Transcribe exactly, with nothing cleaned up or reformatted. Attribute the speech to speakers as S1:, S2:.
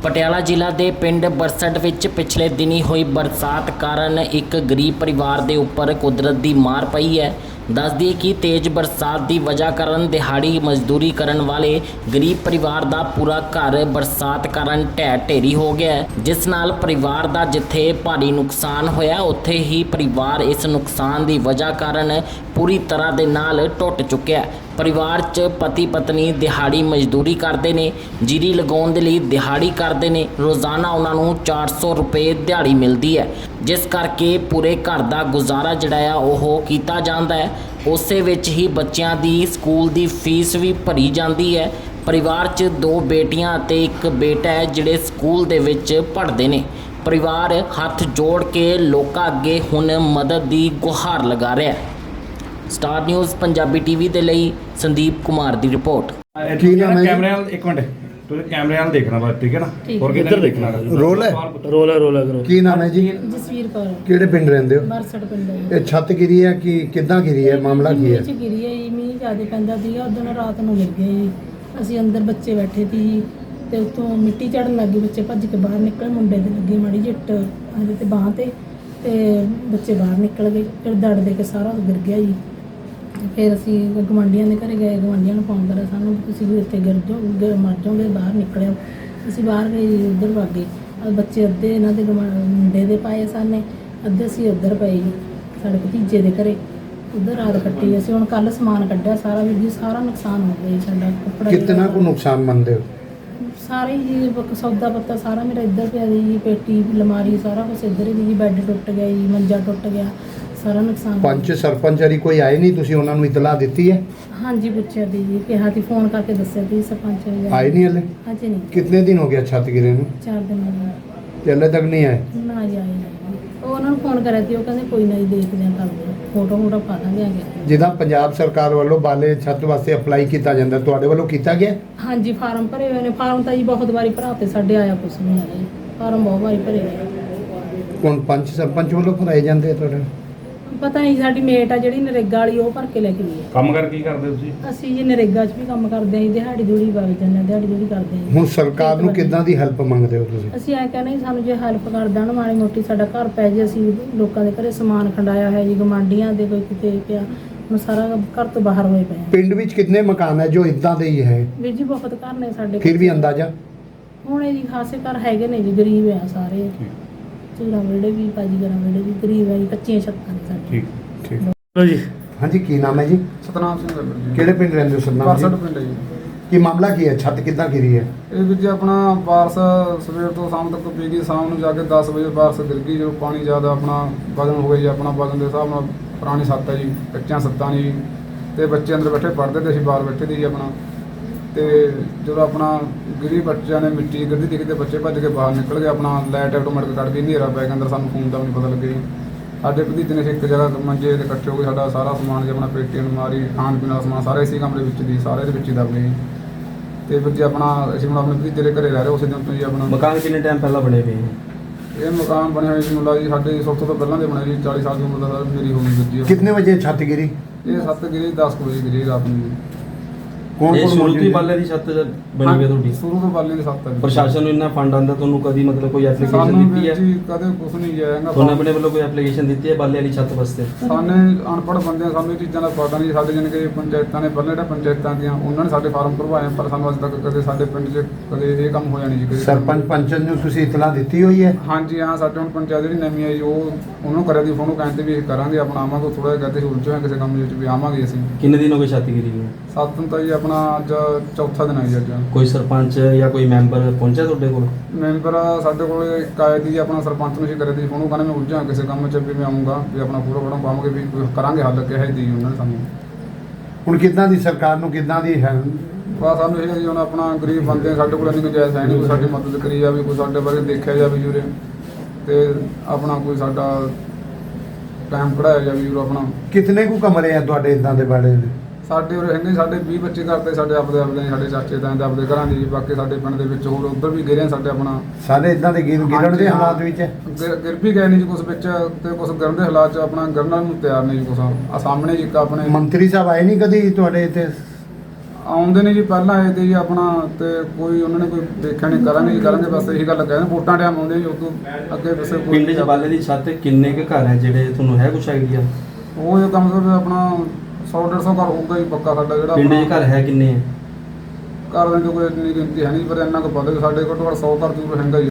S1: ਪਟਿਆਲਾ ਜ਼ਿਲ੍ਹਾ ਦੇ ਪਿੰਡ ਬਰਸਟ ਵਿੱਚ ਪਿਛਲੇ ਦਿਨੀ ਹੋਈ ਬਰਸਾਤ ਕਾਰਨ ਇੱਕ ਗਰੀਬ ਪਰਿਵਾਰ ਦੇ ਉੱਪਰ ਕੁਦਰਤ ਦੀ ਮਾਰ ਪਈ ਹੈ। ਦੱਸ ਦਈਏ ਕਿ ਤੇਜ਼ ਬਰਸਾਤ ਦੀ ਵਜ੍ਹਾ ਕਾਰਨ ਦਿਹਾੜੀ ਮਜ਼ਦੂਰੀ ਕਰਨ ਵਾਲੇ ਗਰੀਬ ਪਰਿਵਾਰ ਦਾ ਪੂਰਾ ਘਰ ਬਰਸਾਤ ਕਾਰਨ ਢਹਿ ਢੇਰੀ ਹੋ ਗਿਆ ਹੈ, ਜਿਸ ਨਾਲ ਪਰਿਵਾਰ ਦਾ ਜਿੱਥੇ ਭਾਰੀ ਨੁਕਸਾਨ ਹੋਇਆ ਉੱਥੇ ਹੀ ਪਰਿਵਾਰ ਇਸ ਨੁਕਸਾਨ ਦੀ ਵਜ੍ਹਾ ਕਾਰਨ ਪੂਰੀ ਤਰ੍ਹਾਂ ਦੇ ਨਾਲ ਟੁੱਟ ਚੁੱਕਿਆ। परिवार च पति पत्नी दिहाड़ी मजदूरी करते हैं, जीरी लगाने के लिए दिहाड़ी करते हैं। रोज़ाना उन्होंने चार सौ रुपये दिहाड़ी मिलती है, जिस करके पूरे घर का गुजारा जड़ा वो किया जाता है। उस ही बच्चों की स्कूल की फीस भी भरी जाती है। परिवार च दो बेटियां ते एक बेटा है जिहड़े स्कूल दे विच पढ़ते हैं। परिवार हथ जोड़ के लोकां अगे हुण मदद की गुहार लगा रहा है। स्टार न्यूज़ पंजाबी टीवी के लिए संदीप कुमार की रिपोर्ट।
S2: कैमरे एक मिनट तुझे कैमरे नाल देखना बस, ठीक है ना? और किधर देखना
S3: रोल है
S2: रोल है रोल है करो।
S3: की नाम है जी?
S4: जसवीर कौर।
S3: किहड़े पिंड रहिंदे हो?
S4: बरसट पिंड है।
S3: ये छत गिरी है कि किदां गिरी है, मामला की है?
S4: नीचे गिरी है, मींह ज़्यादा पैंदा सीगा, उदों रात नूं गिर गई जी। असीं अंदर बच्चे बैठे सी ते उत्तों मिट्टी चढ़न लग गई, बच्चे भज के बाहर निकले, मुंडे ते लगी माड़ी जिट आंदे ते बांह ते ते बच्चे बाहर निकल गए। फिर दड़ दे के सारा गिर गया जी। फिर असी गवांढियों के घर गए, गवांढियों ने फोन करा सानू तुसीं भी उत्थे गिर जाओ मर जाओगे, बाहर निकलिओ। असी बाहर गए जी, उधर वग गए। बच्चे अद्धे इन्हां दे मुंडे दे पाए साने, अद्धे असी उधर पाए जी साडे भतीजे दे घरे, उधर रात कट्टी। असी हुण कल समान कड्ढिया सारा भी जी, सारा नुकसान हो गया जी साडा। कपड़ा
S3: कितना को नुकसान मनदे हो?
S4: सारे जी सौदा पत्ता सारा मेरा इधर पिया जी, पेटी अलमारी सारा कुछ इधर ही जी। बैड टुट गया जी, मंजा टुट गया, सारा नुकसान।
S3: पंच सरपंच हरी कोई आए नहीं, तुसीं उन्हां नूं इतला दित्ती है?
S4: हाँ जी पूछा दी जी, कहा थी फोन करके दस्या थी सरपंच ने।
S3: आए नहीं हले?
S4: हाँ जी नहीं,
S3: कितने दिन हो गया छत गिरे नूं?
S4: चार दिन हो गए
S3: ते हले तक नहीं आए?
S4: ना जी, आए नहीं। वो उन्होंने फोन करा थी, वो कहते कोई नहीं देखते हैं, कर दो फोटो फोटो पा देंगे आगे।
S3: जिदा पंजाब सरकार वालों बाले छत वास्ते अप्लाई किया जाता, तुहाडे वालों किया गया?
S4: हाँ जी फार्म भरे हुए ने। फार्म तो जी बहुत बारी भराते, साढ़े आया कुछ नहीं आया जी। फार्म बहुत बारी भरे हुए।
S3: कौन पंच सरपंच वालों भराए जाते तुहाडे?
S4: पता नहीं, साडी मेट आ जिहड़ी नरेगा वाली वो भर के लेके गई है।
S2: काम कर की करदे हो तुसीं?
S4: ਅਸੀਂ ਜੀ ਨਰੇਗਾ 'ਚ ਵੀ ਕੰਮ ਕਰਦੇ ਆਂ, ਦਿਹਾੜੀ ਦੂੜੀ ਵਗ ਜਾਂਦੇ ਹਾਂ, ਦਿਹਾੜੀ ਦੂੜੀ ਕਰਦੇ ਹਾਂ।
S3: ਹੁਣ ਸਰਕਾਰ ਨੂੰ ਕਿੱਦਾਂ ਦੀ ਹੈਲਪ ਮੰਗਦੇ ਹੋ ਤੁਸੀਂ?
S4: ਅਸੀਂ ਐ ਕਹਿੰਦੇ ਸਾਨੂੰ ਜੇ ਹੈਲਪ ਕਰ ਦੇਣ ਮਾੜੀ ਮੋਟੀ, ਸਾਡਾ ਘਰ ਪੈ ਜੇ। ਅਸੀਂ ਲੋਕਾਂ ਦੇ ਘਰੇ ਸਮਾਨ ਖੰਡਾਇਆ ਹੈ ਜੀ, ਗਵਾਂਢੀਆਂ ਦੇ ਕੋਈ ਕਿਤੇ ਪਿਆ, ਹੁਣ ਸਾਰਾ ਘਰ ਤੋਂ ਬਾਹਰ ਹੋਏ ਪਏ ਆ।
S3: ਪਿੰਡ ਵਿੱਚ ਕਿੰਨੇ ਮਕਾਨ ਹੈ ਜੋ ਇਦਾਂ ਦੇ ਹੀ ਹੈ?
S4: ਵੀਰ ਜੀ ਬਹੁਤ ਘਰ ਨੇ ਸਾਡੇ।
S3: ਫਿਰ ਵੀ ਅੰਦਾਜ਼ਾ
S4: ਹੁਣ ਇਹ ਜੀ ਖਾਸੇ ਘਰ ਹੈਗੇ ਨੇ ਜੀ, ਗਰੀਬ ਆ ਸਾਰੇ। ਚੂੜਾ ਵੇੜੇ ਵੀ, ਪਾਜੀ ਗਰਾਂ ਵੇੜੇ ਵੀ ਗਰੀਬ ਆ ਜੀ, ਕੱਚੀਆਂ ਛੱਤਾਂ ਨੇ ਸਾਡੇ।
S2: ठीक
S3: ਠੀਕ
S2: लो जी।
S3: हाँ जी, की नाम है जी?
S5: ਸਤਨਾਮ ਸਿੰਘ ਗੱਲ ਜੀ।
S3: ਕਿਹੜੇ ਪਿੰਡ ਰਹਿੰਦੇ ਹੋ ਸਤਨਾਮ
S5: ਬਰਸਟ
S3: ਜੀ?
S5: ਪਿੰਡ ਹੈ ਜੀ।
S3: ਕੀ ਮਾਮਲਾ ਕੀ ਹੈ, ਛੱਤ ਕਿੱਦਾਂ ਗਿਰੀ ਹੈ?
S5: ਇਹ ਵੀਰ ਜੀ ਆਪਣਾ ਬਾਰਸ ਸਵੇਰ ਤੋਂ ਸ਼ਾਮ ਤੱਕ ਪੀ ਗਈ, ਸ਼ਾਮ ਨੂੰ ਜਾ ਕੇ ਦਸ ਵਜੇ ਬਾਰਸ ਗਿਰ ਗਈ। ਜਦੋਂ ਪਾਣੀ ਜ਼ਿਆਦਾ ਆਪਣਾ ਵਜ਼ਨ ਹੋ ਗਿਆ ਜੀ, ਆਪਣਾ ਵਜ਼ਨ ਦੇ ਹਿਸਾਬ ਨਾਲ ਪੁਰਾਣੀ ਛੱਤ ਹੈ ਜੀ, ਕੱਚੀਆਂ ਛੱਤਾਂ ਨੇ ਜੀ, ਤੇ ਬੱਚੇ ਅੰਦਰ ਬੈਠੇ ਪੜ੍ਹਦੇ ਤੇ ਅਸੀਂ ਬਾਹਰ ਬੈਠੇ ਸੀ ਜੀ ਆਪਣਾ। ਤੇ ਜਦੋਂ ਆਪਣਾ ਗਿਰੀ ਬੱਚਿਆਂ ਨੇ ਮਿੱਟੀ ਗਿਰਦੀ ਦਿਖੀ ਤੇ ਬੱਚੇ ਭੱਜ ਕੇ ਬਾਹਰ ਨਿਕਲ ਗਏ। ਆਪਣਾ ਲਾਈਟ ਆਟੋਮੈਟਿਕ ਕੱਢ ਗਈ, ਹਨੇਰਾ ਪੈ ਗਿਆ ਅੰਦਰ, ਸਾਨੂੰ ਫੋਨ ਦਾ ਵੀ ਨਹੀਂ ਪਤਾ ਲੱਗਿਆ ਜੀ। ਸਾਡੇ ਭਤੀਜੇ ਨੇ ਇੱਕ ਜਗ੍ਹਾ ਮੰਜੇ ਤੇ ਇਕੱਠੇ ਹੋ ਕੇ ਸਾਡਾ ਸਾਰਾ ਸਮਾਨ ਜੀ, ਆਪਣਾ ਪੇਟੀ ਅਲਮਾਰੀ ਖਾਣ ਪੀਣ ਦਾ ਸਮਾਨ ਸਾਰਾ ਇਸੇ ਕਮਰੇ ਵਿੱਚ ਦੀ, ਸਾਰੇ ਦੇ ਵਿੱਚ ਹੀ ਦਬ ਗਏ ਜੀ। ਤੇ ਫਿਰ ਜੀ ਆਪਣਾ ਅਸੀਂ ਹੁਣ ਆਪਣੇ ਭਤੀਜੇ ਦੇ ਘਰੇ ਰਹਿ ਰਹੇ, ਉਸੇ ਦਿਨ ਤੋਂ ਜੀ ਆਪਣਾ।
S2: मकान कितने टाइम पहला बने पे?
S5: ਇਹ ਮਕਾਨ ਬਣਿਆ ਹੋਇਆ ਜੀ ਮੁੰਡਾ ਜੀ ਸਾਡੇ ਸਭ ਤੋਂ ਪਹਿਲਾਂ ਦੇ ਬਣਿਆ ਜੀ, ਚਾਲੀ ਸਾਲ ਦੀ ਉਮਰ ਦਾ ਸਰ ਮੇਰੀ ਹੋਣੀ ਵੀਰ ਜੀ।
S3: ਕਿੰਨੇ ਵਜੇ ਛੱਤ ਗਿਰੀ?
S5: ਇਹ ਸੱਤ ਗਿਰੀ ਦਸ ਕੁ ਵਜੇ ਗਿਰੀ ਰਾਤ ਨੂੰ ਜੀ।
S3: ਕੌਣ
S2: ਇਹ
S3: ਕੌਣ
S2: ਸ਼ੁਰੂ ਤੋਂ ਹੀ
S3: ਮੌਜੂਦ
S2: ਬਾਲੇ ਦੀ ਛੱਤ ਬਣੀ ਹੋਈ ਹੈ ਤੁਹਾਡੀ?
S5: ਸ਼ੁਰੂ ਤੋਂ ਬਾਲੇ ਦੀ ਸੱਤ ਹੈ ਜੀ।
S2: ਪ੍ਰਸ਼ਾਸਨ ਨੂੰ ਇੰਨਾ ਫੰਡ ਆਉਂਦਾ, ਤੁਹਾਨੂੰ ਕਦੀ ਮਤਲਬ ਕੋਈ ਐਪਲੀਕੇਸ਼ਨ
S5: ਸਾਨੂੰ
S2: ਦਿੱਤੀ
S5: ਵੀਰ
S2: ਹੈ?
S5: ਜੀ ਕਦੇ ਕੁਝ ਨਹੀਂ ਜਾਏਗਾ।
S2: ਤੁਹਾਨੂੰ ਆਪਣੇ ਵੱਲੋਂ ਕੋਈ ਐਪਲੀਕੇਸ਼ਨ ਦਿੱਤੀ ਹੈ ਬਾਲੇ ਵਾਲੀ ਛੱਤ ਵਾਸਤੇ?
S5: ਸਾਨੇ ਅਨਪੜ੍ਹ ਬੰਦੇ ਆ, ਸਾਨੂੰ ਇਹ ਚੀਜ਼ਾਂ ਦਾ ਪਤਾ ਨਹੀਂ। ਸਾਡੇ ਜਾਣੀ ਕਿ ਪੰਚਾਇਤਾਂ ਨੇ ਪਹਿਲਾਂ ਜਿਹੜਾ ਪੰਚਾਇਤਾਂ ਦੀਆਂ ਉਹਨਾਂ ਨੇ ਸਾਡੇ ਫਾਰਮ ਭਰਵਾਏ, ਪਰ ਸਾਨੂੰ ਅੱਜ ਤੱਕ ਕਦੇ ਸਾਡੇ ਪਿੰਡ 'ਚ ਕਦੇ ਇਹ ਕੰਮ ਹੋਇਆ ਨਹੀਂ ਜੀ ਕਦੇ।
S3: ਸਰਪੰਚ ਪੰਚਨ ਨੂੰ ਤੁਸੀਂ ਇਤਲਾ ਦਿੱਤੀ ਹੋਈ ਹੈ?
S5: ਹਾਂਜੀ ਹਾਂ, ਸਾਡੇ ਹੁਣ ਪੰਚਾਇਤ ਜਿਹੜੀ ਨਵੀਂ ਆਈ ਉਹ ਉਹਨਾਂ ਨੂੰ ਕਰਿਆ ਦੀ ਫੋਨ, ਕਹਿੰਦੇ ਵੀ ਇਹ ਕਰਾਂਗੇ ਆਪਣਾ, ਆਵਾਂਗੇ। ਥੋੜ੍ਹਾ ਜਿਹਾ ਕਹਿੰਦੇ ਉਲਝੇ ਹੋਏ ਕਿਸੇ ਕੰਮ ਵਿੱਚ ਵੀ ਆਵਾਂਗੇ ਅਸੀਂ।
S2: ਕਿੰਨੇ ਦਿਨ ਹੋ ਗਏ ਛੱਤ ਗਿਰੀ ਨੂੰ?
S5: ਸੱਤ ਨੂੰ ਤਾਂ ਜੀ ਆਪਣਾ ਅੱਜ ਚੌਥਾ ਦਿਨ ਹੈ ਜੀ ਅੱਜ।
S2: ਕੋਈ ਸਰਪੰਚ ਜਾਂ ਕੋਈ ਮੈਂਬਰ ਪਹੁੰਚਿਆ ਤੁਹਾਡੇ ਕੋਲ?
S5: ਮੈਂਬਰ ਸਾਡੇ ਕੋਲ ਇੱਕ ਆਏ ਦੀ ਆਪਣਾ ਸਰਪੰਚ ਨੂੰ ਅਸੀਂ ਕਰੇ ਦੀ ਫੋਨ, ਉਹ ਕਹਿੰਦੇ ਮੈਂ ਉਲਝਾਂ ਕਿਸੇ ਕੰਮ 'ਚ ਵੀ ਮੈਂ ਆਊਂਗਾ, ਵੀ ਆਪਣਾ ਪੂਰਾ ਫੜਾਂ ਪਾਵਾਂਗੇ, ਵੀ ਕਰਾਂਗੇ ਹੱਲ ਕਿਹਾ ਦੀ ਉਹਨਾਂ ਨੇ ਸਾਨੂੰ।
S3: ਹੁਣ ਕਿੱਦਾਂ ਦੀ ਸਰਕਾਰ ਨੂੰ ਕਿੱਦਾਂ ਦੀ ਹੈ?
S5: ਬਸ ਸਾਨੂੰ ਇਹ ਜੀ ਹੁਣ ਆਪਣਾ ਗਰੀਬ ਬੰਦੇ ਸਾਡੇ ਕੋਲ ਇੰਨੀ ਗੁੰਜਾਇਸ਼ ਹੈ ਨਹੀਂ, ਕੋਈ ਸਾਡੀ ਮਦਦ ਕਰੀ ਜਾਵੇ, ਕੋਈ ਸਾਡੇ ਬਾਰੇ ਦੇਖਿਆ ਜਾਵੇ ਜੂਰੇ, ਤੇ ਆਪਣਾ ਕੋਈ ਸਾਡਾ ਟਾਈਮ ਕਢਾਇਆ ਜਾਵੇ ਜੂਰੇ ਆਪਣਾ।
S3: ਕਿਤਨੇ ਕੁ ਕਮਰੇ ਆ ਤੁਹਾਡੇ ਇਦਾਂ ਦੇ ਬਾੜੇ ਦੇ?
S5: ਸਾਡੇ ਉਰੇ ਹੈਗੇ ਸਾਡੇ ਵੀਹ ਬੱਚੇ ਕਰਦੇ, ਸਾਡੇ ਆਪਦੇ ਆਪਦੇ ਸਾਡੇ ਚਾਚੇ ਤਾਏ ਦੇ ਆਪਦੇ ਘਰਾਂ ਦੇ ਜੀ। ਬਾਕੀ ਸਾਡੇ ਪਿੰਡ ਦੇ ਵਿੱਚ ਹੋਰ ਉੱਧਰ ਵੀ ਗਿਰੇ ਸਾਡੇ ਆਪਣਾ
S3: ਸਾਰੇ ਇਦਾਂ ਦੇ ਗਿਰ ਗਿਰਣ ਦੇ ਹਾਲਾਤ ਵਿੱਚ ਹੈ?
S5: ਗਿਰ ਗਿਰ ਵੀ ਗਏ ਨੇ ਜੀ ਕੁਛ ਵਿੱਚ, ਤੇ ਕੁਛ ਗਿਰਨ ਦੇ ਹਾਲਾਤ 'ਚ ਆਪਣਾ ਗਿਰਨ ਨੂੰ ਤਿਆਰ ਨੇ ਜੀ ਕੁਛ। ਆ ਸਾਹਮਣੇ ਜੀ ਇੱਕ ਆਪਣੇ
S3: ਮੰਤਰੀ ਸਾਹਿਬ ਆਏ ਨਹੀਂ ਕਦੀ ਤੁਹਾਡੇ ਇੱਥੇ?
S5: ਆਉਂਦੇ ਨੇ ਜੀ, ਪਹਿਲਾਂ ਆਏ ਤੇ ਜੀ ਆਪਣਾ, ਤੇ ਕੋਈ ਉਹਨਾਂ ਨੇ ਕੋਈ ਦੇਖਿਆ ਨਹੀਂ, ਕਰਾਂਗੇ ਜੀ ਕਰਾਂਗੇ, ਬਸ ਇਹੀ ਗੱਲ ਕਹਿੰਦੇ ਵੋਟਾਂ ਟਾਈਮ ਆਉਂਦੇ ਜੀ, ਉਦੋਂ ਅੱਗੇ ਪਿੱਛੇ ਕੋਈ
S6: ਪਿੰਡ 'ਚ ਬਾਲੇ ਦੀ ਛੱਤ ਕਿੰਨੇ ਕੁ ਘਰ ਹੈ ਜਿਹੜੇ ਤੁਹਾਨੂੰ ਹੈ ਕੁਛ ਆਈਡੀਆ?
S5: ਉਹ ਜੋ ਕਮ ਸੇ ਕਮ ਆਪਣਾ ਸੌ ਡੇਢ ਸੌ ਘਰ ਹੋਊਗਾ ਜੀ ਪੱਕਾ ਸਾਡਾ ਜਿਹੜਾ
S6: ਪਿੰਡ 'ਚ
S5: ਆਪਣਾ।
S6: ਘਰ ਹੈ ਕਿੰਨੇ ਹੈ?
S5: ਘਰ ਦੇ ਕੋਈ ਇੰਨੀ ਗਿਣਤੀ ਹੈ ਨਹੀਂ, ਪਰ ਇੰਨਾ ਕੁ ਪਤਾ ਕਿ ਸਾਡੇ ਘੱਟੋ ਘੱਟ ਸੌ ਘਰ ਜ਼ਰੂਰ ਹੈਗਾ ਜੀ।